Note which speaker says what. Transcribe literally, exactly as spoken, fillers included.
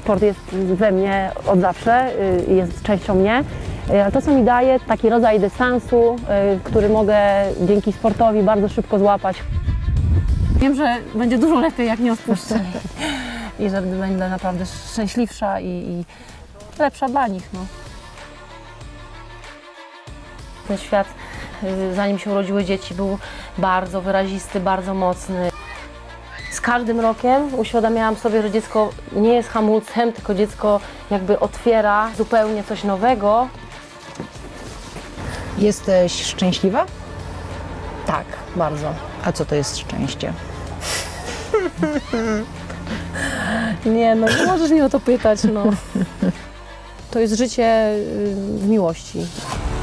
Speaker 1: sport jest we mnie od zawsze, y, jest częścią mnie. Y, Ale to, co mi daje, taki rodzaj dystansu, y, który mogę dzięki sportowi bardzo szybko złapać.
Speaker 2: Wiem, że będzie dużo lepiej, jak nie odpuszczę. I że będę naprawdę szczęśliwsza i, i lepsza dla nich. No. Ten świat, y, zanim się urodziły dzieci, był bardzo wyrazisty, bardzo mocny. Z każdym rokiem uświadamiałam sobie, że dziecko nie jest hamulcem, tylko dziecko jakby otwiera zupełnie coś nowego.
Speaker 3: Jesteś szczęśliwa?
Speaker 2: Tak, bardzo.
Speaker 3: A co to jest szczęście?
Speaker 2: Nie, no nie możesz mnie o to pytać, no. To jest życie y, w miłości.